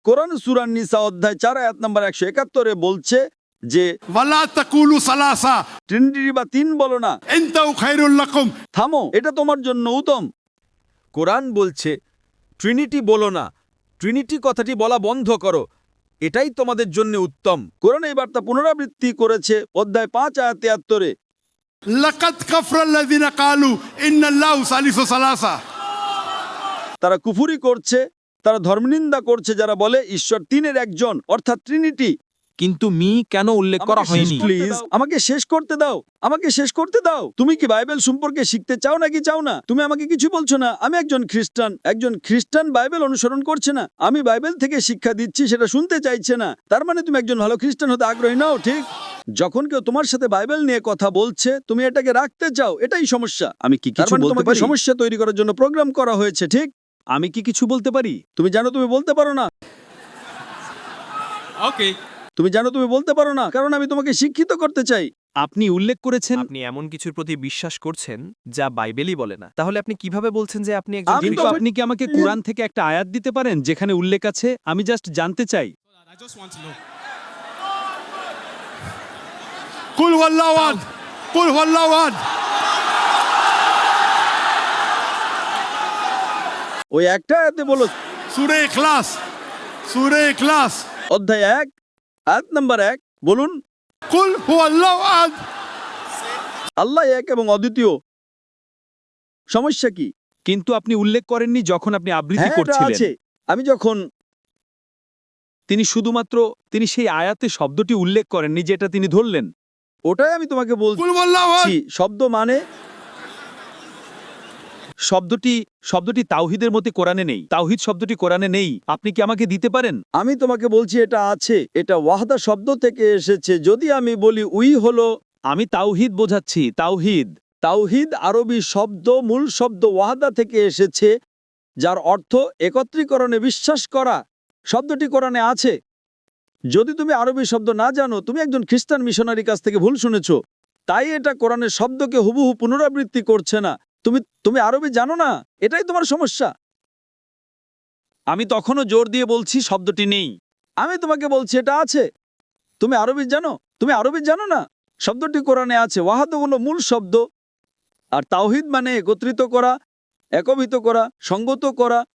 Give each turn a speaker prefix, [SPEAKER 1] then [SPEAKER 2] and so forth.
[SPEAKER 1] কোরআন সূরা নিসা অধ্যায় 4 আয়াত নম্বর 171 বলছে যে
[SPEAKER 2] ওয়ালা তাকুলু সালাসা
[SPEAKER 1] ট্রিনিটি বা তিন বলো না,
[SPEAKER 2] ইনতাউ খায়রুল লাকুম।
[SPEAKER 1] থামো, এটা তোমার জন্য উত্তম।
[SPEAKER 3] কোরআন বলছে ট্রিনিটি বলো না, ট্রিনিটি কথাটি বলা বন্ধ করো, এটাই তোমাদের জন্য উত্তম।
[SPEAKER 1] কোরআন এই বার্তা পুনরাবৃত্তি করেছে অধ্যায় 5 আয়াত 73।
[SPEAKER 2] লাকাদ কাফরাল্লাযিনা ক্বালু ইন্নাল্লাহু সালিসু সালাসা।
[SPEAKER 1] তারা কুফরি করছে, তারা ধর্মনিন্দা করছে যারা বলে ঈশ্বর তিনের একজন, অর্থাৎ ট্রিনিটি।
[SPEAKER 4] কিন্তু মি কেন উল্লেখ করা হয়নি?
[SPEAKER 1] প্লিজ আমাকে শেষ করতে দাও, আমাকে শেষ করতে দাও। তুমি কি বাইবেল সম্পর্কে শিখতে চাও নাকি চাও না? তুমি আমাকে কিছু বলছো না। আমি একজন খ্রিস্টান বাইবেল অনুসরণ করছে না। আমি বাইবেল থেকে শিক্ষা দিচ্ছি, সেটা শুনতে চাইছে না। তার মানে তুমি একজন ভালো খ্রিস্টান হতে আগ্রহী নাও, ঠিক? যখন কেউ তোমার সাথে বাইবেল নিয়ে কথা বলছে, তুমি এটাকে রাখতে চাও, এটাই সমস্যা।
[SPEAKER 4] আমি কি
[SPEAKER 1] তার
[SPEAKER 4] কিছু
[SPEAKER 1] মানে
[SPEAKER 4] বলতে
[SPEAKER 1] তোমাকে
[SPEAKER 4] পারি?
[SPEAKER 1] সমস্যা তৈরি করার জন্য প্রোগ্রাম করা হয়েছে, ঠিক?
[SPEAKER 4] আমি কি কিছু বলতে পারি?
[SPEAKER 1] তুমি জানো তুমি বলতে পারো না।
[SPEAKER 4] ওকে।
[SPEAKER 1] তুমি জানো তুমি বলতে পারো না, কারণ আমি তোমাকে শিক্ষিত করতে চাই।
[SPEAKER 4] আপনি উল্লেখ করেছেন
[SPEAKER 5] আপনি এমন কিছুর প্রতি বিশ্বাস করছেন যা বাইবেলই বলে না, তাহলে আপনি কিভাবে বলছেন যে আপনি একজন
[SPEAKER 1] আমি
[SPEAKER 4] কিন্তু
[SPEAKER 1] তো-
[SPEAKER 4] আপনি কি আমাকে কোরআন থেকে একটা আয়াত দিতে পারেন যেখানে উল্লেখ আছে? আমি জাস্ট জানতে চাই।
[SPEAKER 2] কুল হুয়াল্লাহু আহাদ, কুল হুয়াল্লাহু আহাদ।
[SPEAKER 1] ওই একটা আয়াতে বলো,
[SPEAKER 2] সূরা ইখলাস, সূরা ইখলাস।
[SPEAKER 1] অধ্যায় 1 আয়াত নাম্বার 1 বলুন,
[SPEAKER 2] কুল হুয়াল্লাহু আহাদ।
[SPEAKER 1] আল্লাহ এক এবং অদ্বিতীয়। সমস্যা কি?
[SPEAKER 4] কিন্তু আপনি উল্লেখ করেননি যখন আপনি আবৃত্তি
[SPEAKER 1] হ্যাঁ, এটা
[SPEAKER 4] করছিলেন।
[SPEAKER 1] আছে। আমি যখন
[SPEAKER 4] তিনি সেই আয়াতে শব্দটি উল্লেখ করেননি যেটা তিনি ধরলেন।
[SPEAKER 1] ওটাই আমি তোমাকে
[SPEAKER 2] কুল হুয়াল্লাহু আহাদ।
[SPEAKER 1] বলছি, শব্দ মানে
[SPEAKER 4] শব্দটি তাওহীদের মধ্যে কোরআনে নেই। তাওহীদ শব্দটি কোরআনে নেই। আপনি কি আমাকে দিতে পারেন?
[SPEAKER 1] আমি তোমাকে বলছি এটা আছে। এটা ওয়াহদা শব্দ থেকে এসেছে। যদি আমি বলি উই হলো
[SPEAKER 4] আমি তাওহীদ বোঝাচ্ছি, তাওহীদ।
[SPEAKER 1] তাওহীদ আরবি শব্দ, মূল শব্দ ওয়াহদা থেকে এসেছে, যার অর্থ একত্রীকরণে বিশ্বাস করা। শব্দটি কোরআনে আছে। যদি তুমি আরবি শব্দ না জানো, তুমি একজন খ্রিস্টান মিশনারির কাছ থেকে ভুল শুনেছো। তাই এটা কোরআনের শব্দকে হুবহু পুনরাবৃত্তি করছে না। তুমি আরবি জানো না, এটাই তোমার সমস্যা।
[SPEAKER 4] আমি তখনও জোর দিয়ে বলছি শব্দটি নেই।
[SPEAKER 1] আমি তোমাকে বলছি এটা আছে। তুমি আরবি জানো? তুমি আরবি জানো না? শব্দটি কোরআনে আছে। ওয়াহাদ হলো মূল শব্দ, আর তাওহীদ মানে একত্রিত করা, একীভূত করা, সঙ্গত করা।